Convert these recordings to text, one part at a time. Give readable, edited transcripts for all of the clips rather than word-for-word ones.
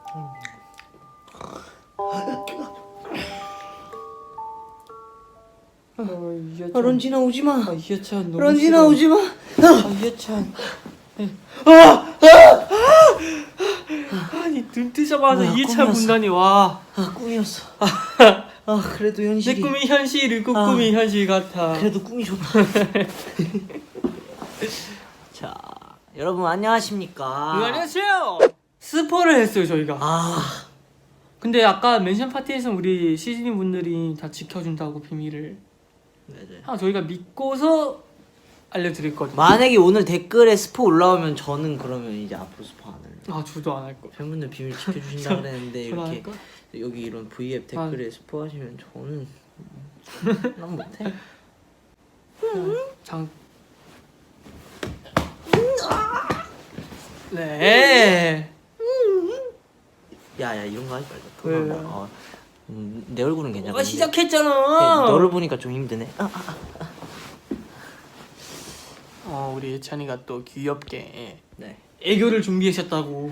런진아 오지마. 이해찬 너무 런진아 싫어. 오지마. 이해찬. 아니 눈 뜨자마자 뭐야, 이해찬 꿈이었어. 군단이 와. 꿈이었어. 그래도 현실이. 내 꿈이 현실이고 꿈이 현실 같아. 그래도 꿈이 좋다. 자, 여러분 안녕하십니까? 안녕하세요. 스포를 했어요 저희가. 근데 아까 멘션 파티에서 우리 시즈니 분들이 다 지켜준다고 비밀을. 네네. 저희가 믿고서 알려드렸거든요. 만약에 오늘 댓글에 스포 올라오면 저는 그러면 이제 앞으로 스포 안 할래요. 저도 안 할 거. 팬분들 비밀 지켜주신다 그랬는데 저도 안 이렇게 할 거? 여기 이런 V앱 댓글에 스포 하시면 저는 난 못해. 네. 야야 이런 거 하지 말자. 왜? 토나온다. 내 얼굴은 괜찮아. 너가 시작했잖아. 너를 보니까 좀 힘드네. 우리 예찬이가 또 귀엽게 네. 애교를 준비하셨다고.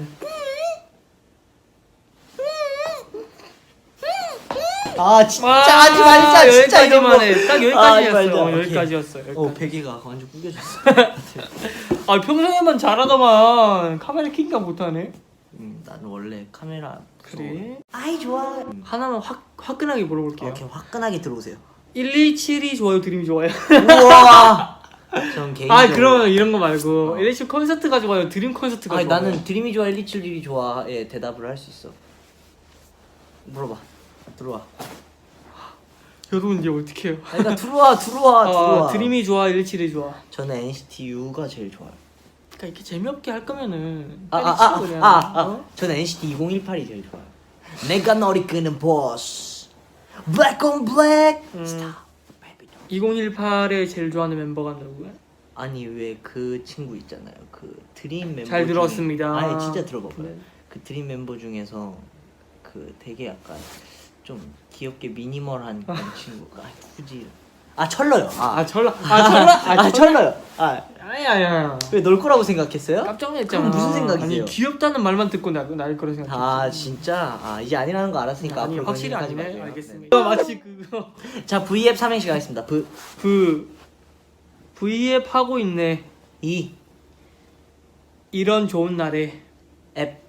진짜 하지 말자. 진짜 이런 거. 여기까지만 해. 딱 하지 여기까지였어. 말자. 여기까지였어. 베개가 완전 구겨졌어. 평소에만 잘하더만 카메라 킹가 못하네. 나는 원래 카메라 그래? 아이 좋아. 하나만 화끈하게 물어볼게요. 이렇게 화끈하게 들어오세요. 127이 좋아요, 드림이 좋아요? 우와. 전 개인적으로. 그러면 이런 거 말고 127 콘서트가 좋아요, 드림 콘서트가 좋아요? 나는 드림이 좋아 127이 좋아에 대답을 할 수 있어. 물어봐. 들어와. 여러분 이제 어떻게 해요? 그러니까 들어와. 드림이 좋아, 127이 좋아? 저는 NCT U가 제일 좋아요. 그러니까 이렇게 재미없게 할 거면은 빨리 치고 그냥. 저는 NCT 2018이 제일 좋아요. 내가 너를 끄는 보스. Black on black. Stop. 2018에 제일 좋아하는 멤버가 누구야? 아니 왜 그 친구 있잖아요. 그 드림 멤버 잘 들었습니다. 아니 진짜 들어봐봐요. 네. 그 드림 member 중에서 그 되게 약간 좀 귀엽게 미니멀한 그런 친구가 누구지? 철러요. 철러요. 아니야. 왜 널 거라고 생각했어요? 깜짝 놀랐잖아. 그럼 무슨 생각이세요? 아니 귀엽다는 말만 듣고 나일 거라 생각했지. 진짜? 이제 아니라는 거 알았으니까 아니 앞으로 확실히 그런 얘기 하지 아니네. 말게요. 알겠습니다. 마치 그거. 자 V앱 삼행시 가겠습니다. V앱 하고 있네. 이런 좋은 날에 앱.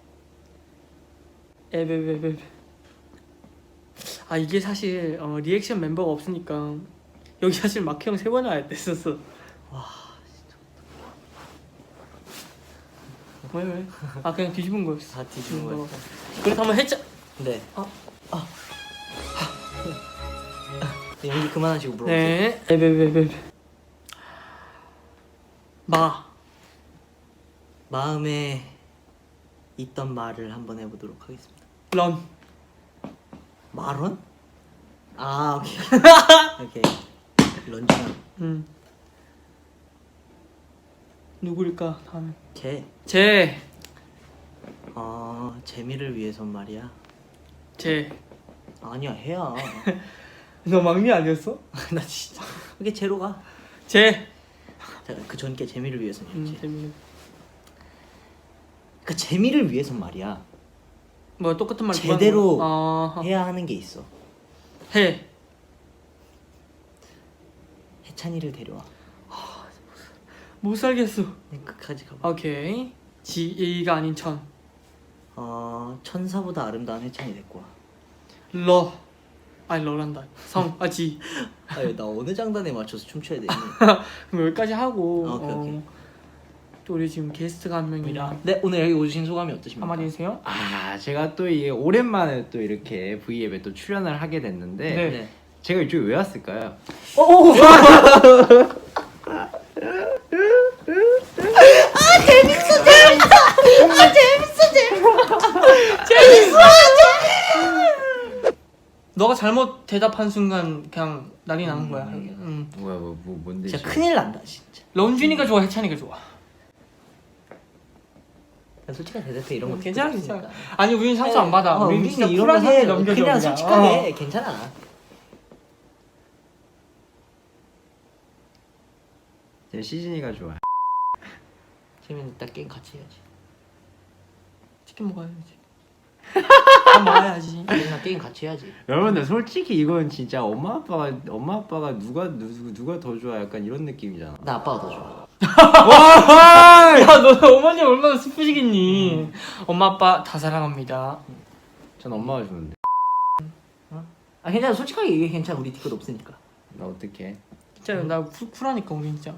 이게 사실 리액션 멤버가 없으니까 여기 사실 마크 형 3번 와야 됐었어. 와 왜? 그냥 뒤집은 거였어. 뒤집은 거였어. 그래서 한번 했자. 네. 연기 그만하시고 물어보세요. 네. 마음에 있던 말을 한번 해보도록 하겠습니다. 런. 마론? 오케이. 오케이. 런쥔아. 누구일까? 다음에. 제. 재미를 위해선 말이야. 아니야 해야. 너 막내 아니었어? 나 진짜. 그게 제로 가. 자, 그 전께 재미를 위해서는. 재밌네. 그러니까 재미를 위해선 말이야. 뭐 똑같은 말 제대로 해야 하는 게 있어. 해찬이를 데려와. 못 살겠어. 끝까지 가봐. 오케이. 지가 아닌 천. 천사보다 아름다운 해찬이 데리고 와. 러란다. 지. 나 어느 장단에 맞춰서 춤춰야 되니? 그럼 여기까지 하고. 오케이. 또 우리 지금 게스트가 한 명이라. 네, 오늘 여기 오신 소감이 어떠십니까? 한마디 해주세요. 제가 또 이게 오랜만에 또 이렇게 V앱에 또 출연을 하게 됐는데 네. 제가 이쪽에 왜 왔을까요? 재밌어. 너가 잘못 대답한 순간 그냥 난리 나는 거야. 뭐야 뭔데? 진짜 큰일 난다 진짜. 런쥔이가 좋아, 해찬이가 좋아? 솔직하게 대답해. 이런 거 괜찮아. 아니 우린 상처 안 받아. 우린 진짜 이런 쿨하게 거 넘겨줘. 그냥 솔직하게 괜찮아. 제 시즌이가 좋아. 재민이 딱 게임 같이 해야지. 치킨 먹어야지. 밥 먹어야지. 우리랑 게임 같이 해야지. 여러분들 솔직히 이건 진짜 엄마 아빠가 누가 더 좋아 약간 이런 느낌이잖아. 나 아빠가 더 좋아. 야, 너 어머니 얼마나 슬프시겠니? 엄마 아빠 다 사랑합니다. 전 엄마가 좋은데. 아 괜찮아. 솔직하게 얘기해. 괜찮아. 우리 티켓 없으니까. 나 어떡해? 진짜 나 쿨하니까 우리 진짜.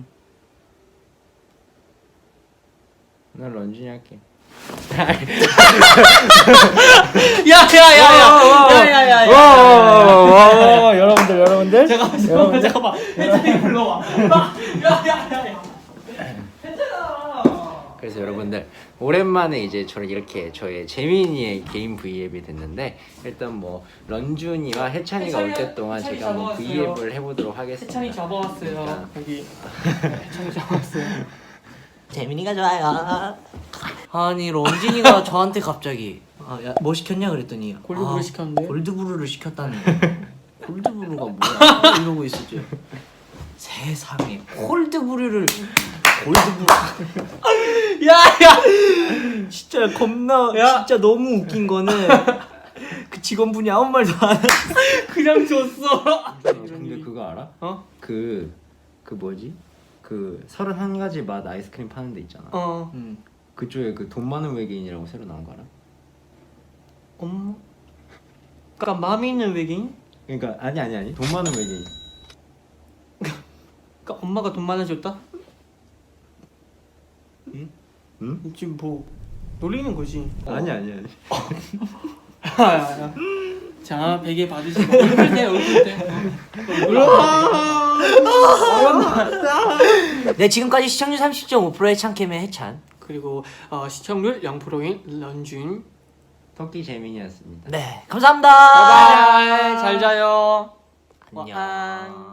난 런쥔이 할게. 야야야야야야야야. 여러분들 잠깐만. 혜찬이 불러와. 야야야야. 그래서 여러분들 오랜만에 이제 저를 이렇게 저의 재민이의 개인 V앱이 됐는데 일단 뭐 런쥔이와 해찬이가 올 때 동안 해찬이 제가 한번 잡아왔어요. V앱을 해보도록 하겠습니다. 해찬이 잡아왔어요. 여기 해찬이 잡아왔어요. 재민이가 좋아요. 아니 런진이가 저한테 갑자기 뭐 시켰냐 그랬더니 골드브루 시켰는데? 골드브루를 시켰다는 골드브루가 뭐야 이러고 있었죠. 세상에 골드브루를 야야 진짜 겁나 야. 진짜 너무 웃긴 거는 그 직원분이 아무 말도 안 하고 그냥 줬어. 근데 그거 알아? 어? 그 뭐지? 그 31가지 맛 아이스크림 파는 데 있잖아. 어. 그쪽에 그 돈 많은 외계인이라고 새로 나온 거 알아? 엄마. 그러니까 마음이 있는 외계인? 그러니까 아니 돈 많은 외계인. 그러니까 엄마가 돈 많아졌다? 응? 지금 뭐 놀리는 거지. 아니. 야야야. 자 베개 받으시고 얼굴 대. 네 지금까지 시청률 30.5%의 창캠의 해찬. 그리고 시청률 0%인 런쥔. 토끼 재민이었습니다. 네 감사합니다. 바이바이. 잘 자요. 안녕. 晚安